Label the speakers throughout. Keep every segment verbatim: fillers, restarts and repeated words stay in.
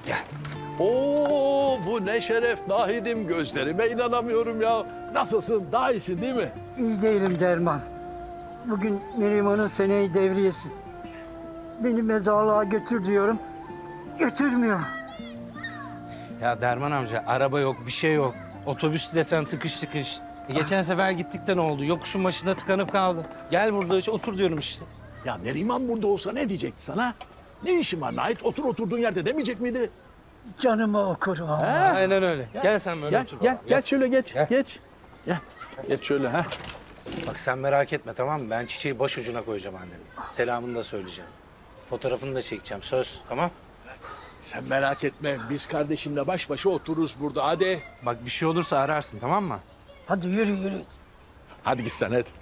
Speaker 1: Gel.
Speaker 2: Oo, bu ne şeref Nahidim, gözlerime inanamıyorum ya. Nasılsın? Daha iyisin değil mi?
Speaker 3: İyi değilim Derman. Bugün Neriman'ın seneyi devriyesi. Beni mezarlığa götür diyorum. Götürmüyor.
Speaker 1: Ya Derman amca araba yok, bir şey yok. Otobüs desen tıkış tıkış. E, geçen sefer gittik de ne oldu? Yokuşun başında tıkanıp kaldı. Gel burada işte, otur diyorum işte.
Speaker 2: Ya Neriman burada olsa ne diyecekti sana? Ne işin var Nahit? Otur oturduğun yerde demeyecek miydi?
Speaker 3: Canımı okur vallahi.
Speaker 1: Aynen öyle. Gel, sen böyle
Speaker 2: Gel,
Speaker 1: otur.
Speaker 2: gel,
Speaker 1: baba,
Speaker 2: gel şöyle geç,
Speaker 1: Gel.
Speaker 2: geç. Gel, geç şöyle ha.
Speaker 1: Bak sen merak etme, tamam mı? Ben çiçeği baş ucuna koyacağım annemin. Selamını da söyleyeceğim. Fotoğrafını da çekeceğim, söz, tamam?
Speaker 2: Sen merak etme, biz kardeşimle baş başa otururuz burada, hadi.
Speaker 1: Bak bir şey olursa ararsın, tamam mı?
Speaker 3: Hadi yürü yürü.
Speaker 2: Hadi git sen, hadi.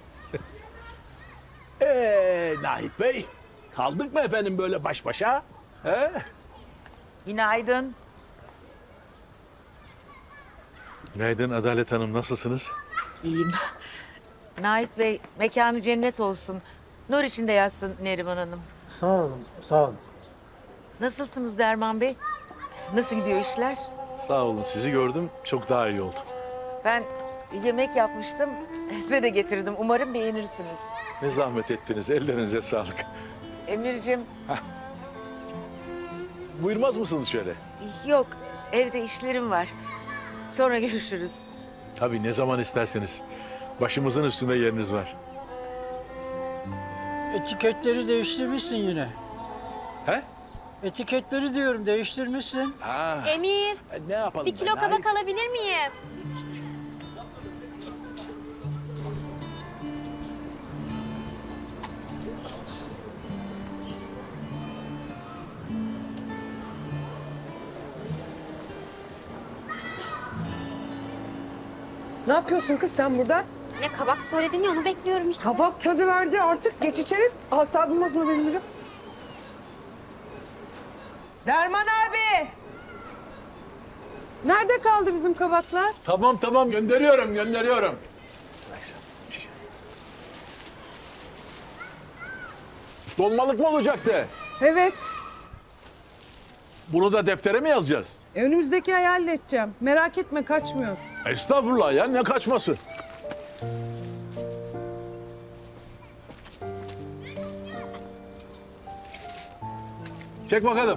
Speaker 2: Ee, Nahit Bey, kaldık mı efendim böyle baş başa? He?
Speaker 4: Günaydın.
Speaker 2: Günaydın Adalet Hanım, nasılsınız?
Speaker 4: İyiyim. Nait Bey, mekanı cennet olsun. Nur içinde yatsın Neriman Hanım.
Speaker 3: Sağ olun, sağ olun.
Speaker 4: Nasılsınız Derman Bey? Nasıl gidiyor işler?
Speaker 2: Sağ olun, sizi gördüm, çok daha iyi oldum.
Speaker 4: Ben yemek yapmıştım. Size de getirdim. Umarım beğenirsiniz.
Speaker 2: Ne zahmet ettiniz, ellerinize sağlık.
Speaker 4: Emir'cim,
Speaker 2: Buyurmaz mısınız şöyle?
Speaker 4: yok. Evde işlerim var. Sonra görüşürüz.
Speaker 2: Tabii, ne zaman isterseniz. Başımızın üstünde yeriniz var.
Speaker 3: Etiketleri değiştirmişsin yine.
Speaker 2: He?
Speaker 3: Etiketleri diyorum değiştirmişsin.
Speaker 2: Ha.
Speaker 5: Emir,
Speaker 2: E, ne yapalım?
Speaker 5: bir kilo
Speaker 2: be,
Speaker 5: kabak
Speaker 2: Nahit?
Speaker 5: alabilir miyim?
Speaker 6: Ne yapıyorsun kız sen burada?
Speaker 5: Ne kabak söyledin ya onu bekliyorum işte.
Speaker 6: Kabak tadı verdi artık geç içeriz. Asabım bozma benim yürü. Derman abi! Nerede kaldı bizim kabaklar?
Speaker 2: Tamam tamam, gönderiyorum, gönderiyorum. Dolmalık mı olacaktı?
Speaker 6: Evet.
Speaker 2: Bunu da deftere mi yazacağız?
Speaker 6: E, önümüzdeki ay halledeceğim. Merak etme kaçmıyor.
Speaker 2: Estağfurullah ya, ne kaçması? Çek bakalım.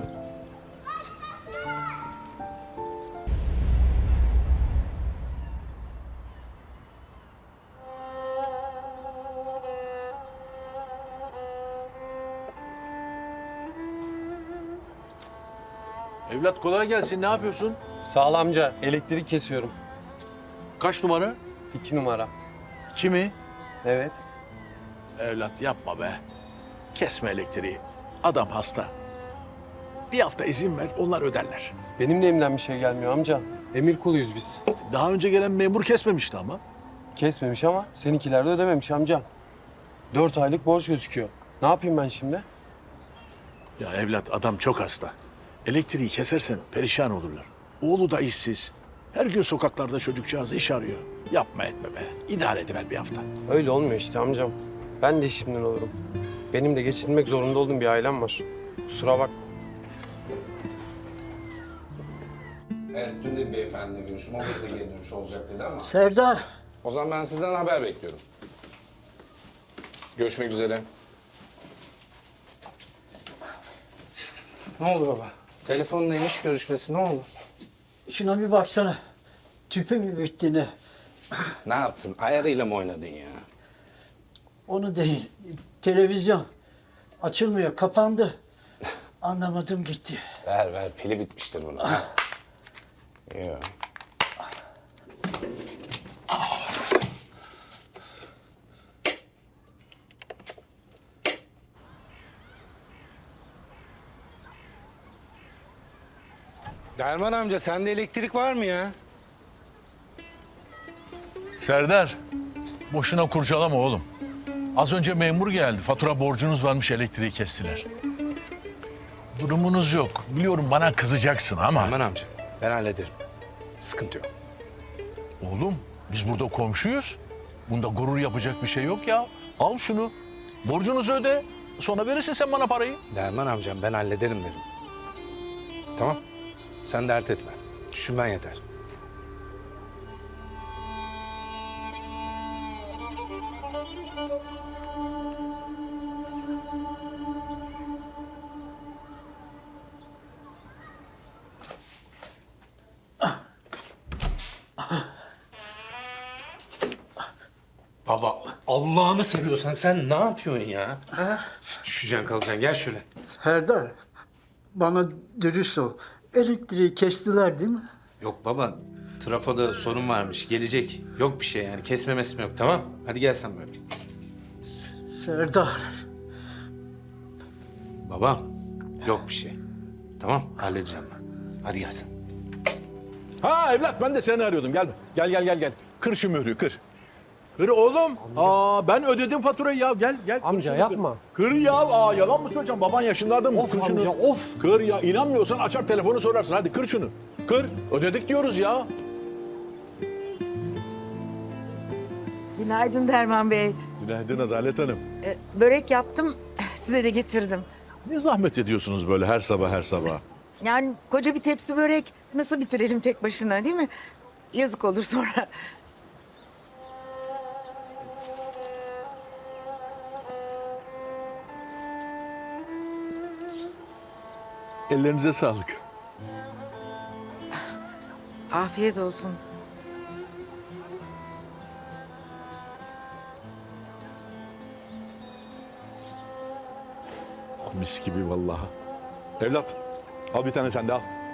Speaker 2: Evlat kolay gelsin, ne yapıyorsun?
Speaker 7: Sağ ol amca. Elektrik kesiyorum.
Speaker 2: Kaç numara?
Speaker 7: İki numara.
Speaker 2: İki mi?
Speaker 7: Evet.
Speaker 2: Evlat yapma be. Kesme elektriği. Adam hasta. Bir hafta izin ver, onlar öderler.
Speaker 7: Benim de elimden bir şey gelmiyor amca. Emir kuluyuz biz.
Speaker 2: Daha önce gelen memur kesmemişti ama.
Speaker 7: Kesmemiş ama seninkiler de ödememiş amca. Dört aylık borç gözüküyor. Ne yapayım ben şimdi?
Speaker 2: Ya evlat, adam çok hasta. Elektriği kesersen perişan olurlar. Oğlu da işsiz. Her gün sokaklarda çocukcağız iş arıyor. Yapma etme be. İdare ediver bir hafta.
Speaker 7: Öyle olmuyor işte amcam. Ben de işimden olurum. Benim de geçinmek zorunda olduğum bir ailem var. Kusura bak.
Speaker 8: Evet, dün de bir beyefendiyle görüştüm. O da size geri dönüş olacak dedi ama.
Speaker 3: Serdar,
Speaker 8: O zaman ben sizden haber bekliyorum. Görüşmek üzere.
Speaker 1: Ne oldu baba? Telefon neymiş, görüşmesi ne oldu?
Speaker 3: şuna bir baksana. Tüpü mü bitti ne?
Speaker 8: Ne yaptın? Ayarıyla mı oynadın ya?
Speaker 3: Onu değil. Televizyon. Açılmıyor, kapandı. Anlamadım gitti.
Speaker 8: Ver ver, pili bitmiştir bunun. ha. Yok.
Speaker 1: Derman amca, sende elektrik var mı ya?
Speaker 2: Serdar, boşuna kurcalama oğlum. Az önce memur geldi. Fatura borcunuz varmış, elektriği kestiler. Durumunuz yok. Biliyorum bana kızacaksın ama...
Speaker 1: Derman amca, ben hallederim. Sıkıntı yok.
Speaker 2: Oğlum, biz burada komşuyuz. Bunda gurur yapacak bir şey yok ya. Al şunu. Borcunuzu öde. Sonra verirsin sen bana parayı.
Speaker 1: Derman amcam, ben hallederim dedim. Tamam. Sen dert etme. Düşünmen yeter. Baba Allah'ını seviyorsan sen ne yapıyorsun ya? Ha? Düşeceksin kalacaksın gel şöyle.
Speaker 3: Serdar, bana dürüst ol. Elektriği kestiler değil mi?
Speaker 1: Yok baba trafoda sorun varmış gelecek. Yok bir şey yani kesme mesme yok tamam. Hadi gel sen böyle.
Speaker 3: Serdar,
Speaker 1: Baba yok bir şey. Tamam halledeceğim ben. Hadi gel sen.
Speaker 2: Ha evlat ben de seni arıyordum. Gel gel gel gel gel. Kır şu mührü kır. Kır oğlum. Aa ben ödedim faturayı ya. Gel gel. Kır
Speaker 7: Amca
Speaker 2: şunu,
Speaker 7: yapma.
Speaker 2: Kır. Kır ya. Aa yalan mı söyleyeceğim? Baban yaşındadır mı?
Speaker 7: Of
Speaker 2: Kır şunu.
Speaker 7: amca, of.
Speaker 2: Kır ya. İnanmıyorsan açar telefonu sorarsın. Hadi kır şunu. Kır. Ödedik diyoruz ya.
Speaker 4: Günaydın Derman Bey.
Speaker 2: Günaydın Adalet Hanım.
Speaker 4: Ee, börek yaptım, size de getirdim.
Speaker 2: Ne zahmet ediyorsunuz böyle her sabah her sabah?
Speaker 4: Yani koca bir tepsi börek nasıl bitirelim tek başına değil mi? Yazık olur sonra.
Speaker 2: Ellerinize sağlık.
Speaker 4: Afiyet olsun.
Speaker 2: Mis gibi vallahi. Evlat al bir tane sen de al.